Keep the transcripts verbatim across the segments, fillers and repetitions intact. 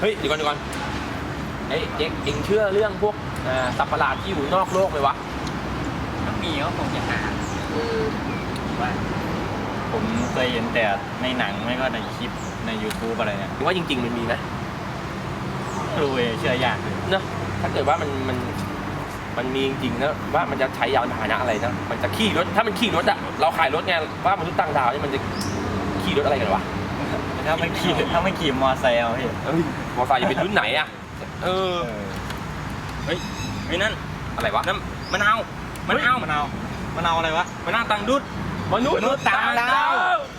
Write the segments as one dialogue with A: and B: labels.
A: เฮ้ยเดี๋ยวก่อนเดี๋ยวก่อนเฮ้ยเจ๊กเอ็งเชื่อเรื่องพวกสัตว์ประหลาดที่อยู่นอกโลกไหมวะ
B: มันมีก็คงจะหาว่าผมเคยเห็นแต่ในหนังไม่ก็ในคลิปใน ยูทูบ อะไรเนี่ย
A: ว่าจริงๆมันมีไหม
B: รู้เลยเชื่อยากเลย
A: เนอะถ้าเกิดว่ามันมันมันมีจริงๆนะว่ามันจะใช้ยานพาหนะอะไรนะมันจะขี่รถถ้ามันขี่รถอะเราขายรถไงว่ามนุษย์ต่างดาวนี่มันจะขี่รถอะไรกันวะ
B: ถ้าไม่ขี่ถ้าไม่ขี่มอไซค์เอาพี่
A: เอ้ยมอไซค์จะเป็นรุ่นไหนอะเออ
B: เฮ้ยไอ้นั่น
A: อะไรวะ
B: นั่นมะนาวมะนาวมะนาวมะนาวอะไรวะมะนาวต่างดุด
A: มนุษย์ต่างดาว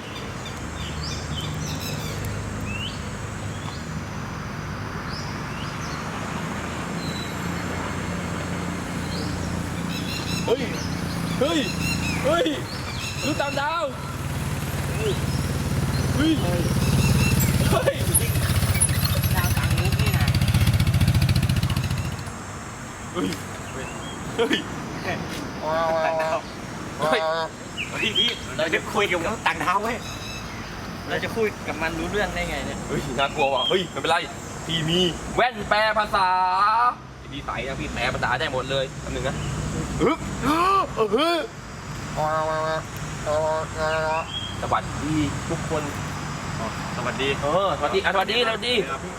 A: เฮ้ยเฮ้ยเฮ้ยมนุษย์ต่างดาวเฮ้ยเฮ้ย
B: ดาวต่างมุกนี่นะ
A: เฮ้ยเฮ้ย
B: ต่างดาวเฮ้ยพี่พี่เราจะคุยกับต่างดาวเว้ยเราจะคุยกับมันรู้เรื่องได้ไงเนี่ย
A: เฮ้ยน่ากลัวว่ะเฮ้ยไม่เป็นไรพี่มีแว่นแปลภาษาพี่ใส่นะพี่แปลภาษาได้หมดเลยอันหนึ่งนะฮึบเออฮึสวัสดีทุกคน
B: สวัสดี
A: เออสวัสดีสวัสดีสวัสดี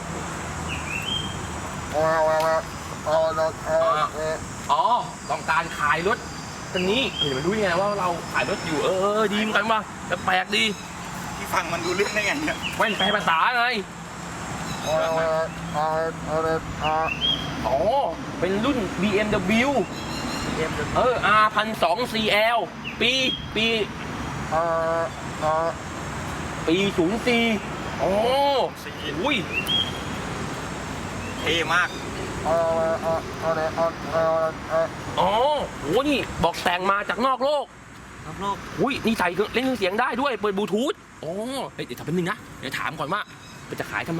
A: อ๋อต้องการขายรถคันนี้เห็นมันรู้ยังไงว่าเราขายรถอยู่เออดีเหมือนกันว่ะแต่แปลกดี
B: ที่ฟังมันดูเรื่องได้ไงเนี่ย
A: แว่นแปลภาษาไงอ๋อเป็นรุ่น บี เอ็ม ดับเบิลยู เออ อาร์ หนึ่งพันสองร้อย ซี แอล ปีปีปีศูนย์สี่โอ้อุ้ย
B: เท่มาก
A: อ๋อโหนี่บอกแต่งมาจากนอกโลก
B: นอกโลก
A: อุ้ยนี่ใส่เล่นเครื่องเสียงได้ด้วยเปิดบลูทูธโอ้เฮ้ยเดี๋ยวทำเป็นนึงนะเดี๋ยวถามก่อนว่ามันจะขายทำไม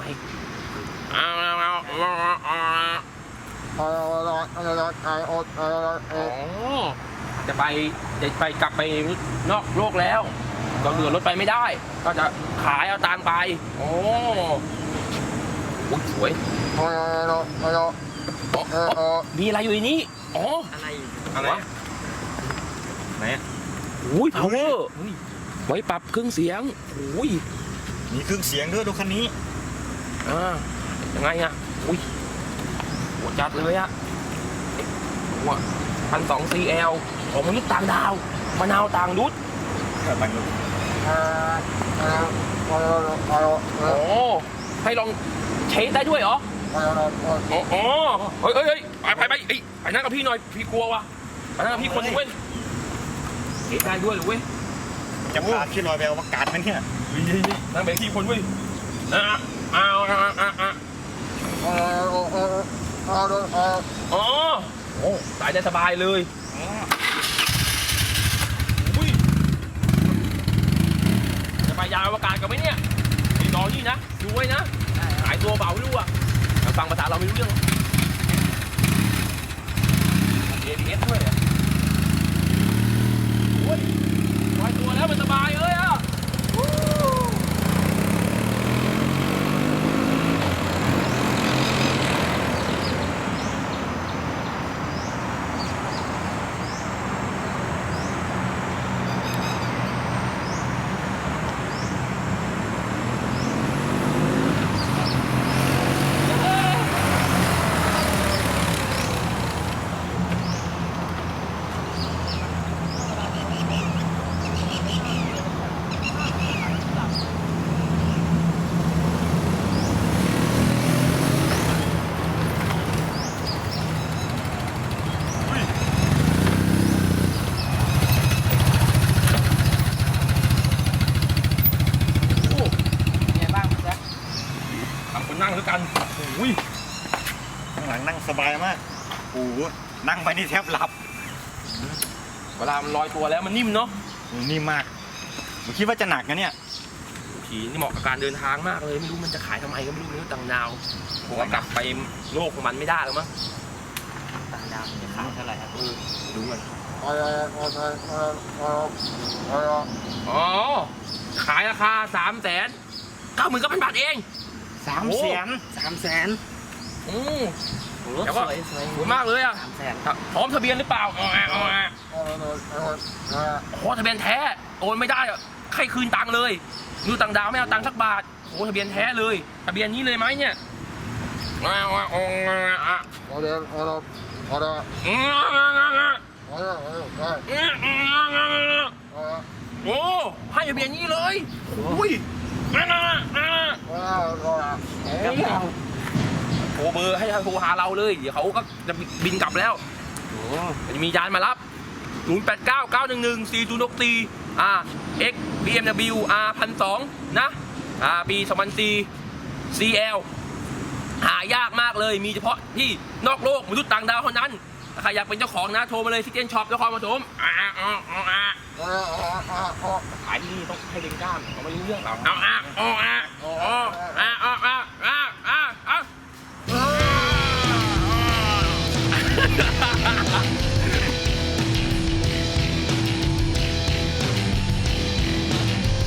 A: จะไปจะไปกลับไปนอกโลกแล้วก็เรือรถไปไม่ได้ก็จะขายเอาตังไปโอ้โหสวยมีอะไรอยู่ในนี้อ๋อ
B: อะไรอะไรไหน
A: อุ้ย power ไว้ปรับเครื่องเสียงอุ้ย
B: มีเครื่องเสียงด้วยดูคันนี้
A: อ่ายังไงอ่ะอุ้ยหัวจัดเลยอ่ะหัวพันสองซีแอลของมนุษย์ต่างดาวมะนาวต่างดุด
B: ต่างดุด
A: โอ้ให้ลองเช็คได้ด้วยเหรออ๋อเฮ้ยเฮ้ยไปไปไปไปนั่งกับพี่หน่อยพี่กลัวว่ะไปนั่งกับพี่คนนึงเว้ยเช็คได้ด้วยหรือเว้ย
B: จะพาพี่ลอยไปอวกาศไหมเนี่ย
A: นั่งแบบพี่คนเว้ยอ่ะอ้าวอ่ะอ่ะอ่ะอ๋อโอ้สายได้สบายเลยอุ้ยจะไปยานอวกาศกันไหมเนี่ยพี่รอนี่นะดูไว้นะหายตัวเบาไม่รู้อ่ะฟังภาษาเราไม่รู้เรื่องเอ บี เอส ด้วยอ่ะโอ้ยลอยตัวแล้วมันสบายเลยอ่ะนั่งด้วยกันอุ้ย
B: ข้างหลังนั่งสบายมากโอ้โหนั่งไปนี่แทบหลับ
A: เวลามันลอยตัวแล้วมันนิ่มเนาะ
B: นิ่มมากผมคิดว่าจะหนักนะเนี่ย
A: ขี่นี่เหมาะกับการเดินทางมากเลยไม่รู้มันจะขายทำไมก็ไม่รู้เนื้อต่างดาวผมว่ากลับไปโลกของมันไม่ได้แล้วมั้ง
B: ต่างดาวมันจะขายเท่าไหร่ครับ
A: ดูกันอ๋อขายราคาสามแสนเก้าหมื่นเก้าพันบาทเอง
B: สามแสนสามแสน
A: อืม
B: รถ
A: แต่
B: ส
A: ว่า
B: วยสวย
A: สวยมากเลยอ่ะ
B: สามแสน
A: พร้อมทะเบียนหรือเปล่าอ๋ออ๋อขอทะเบียนแท้โอนไม่ได้อะใครคืนตังค์เลยดูต่างดาวไม่เอาตังค์สักบาทโอ้ทะเบียนแท้เลยทะเบียนนี้เลยไหมเนี่ยอ๋ออ๋ออ๋อโอ้ให้ทะเบียนนี้เลยอุ้ยโทรเบอร์ให้โทรหาเราเลยเดี๋ยวเขาก็จะบินกลับแล้ว
B: โอ้
A: จะมียานมารับศูนย์แปดเก้า เก้าหนึ่งหนึ่ง สี่ศูนย์หกสี่อ่า X บี เอ็ม ดับเบิลยู อาร์ หนึ่งพันสองร้อยนะอ่าปีสองพันสี่ ซี แอล หายากมากเลยมีเฉพาะที่นอกโลกมนุษย์ต่างดาวเท่านั้นถ้าใครอยากเป็นเจ้าของนะโทรมาเลยที่เจนช็อปนครปฐมอ่าอ่าอ่าอ่าขายที่นี่ต้องให้เด็กกล้ามเขาไม่รู้เรื่องหรอกอ่าอ่าอ่าอ่า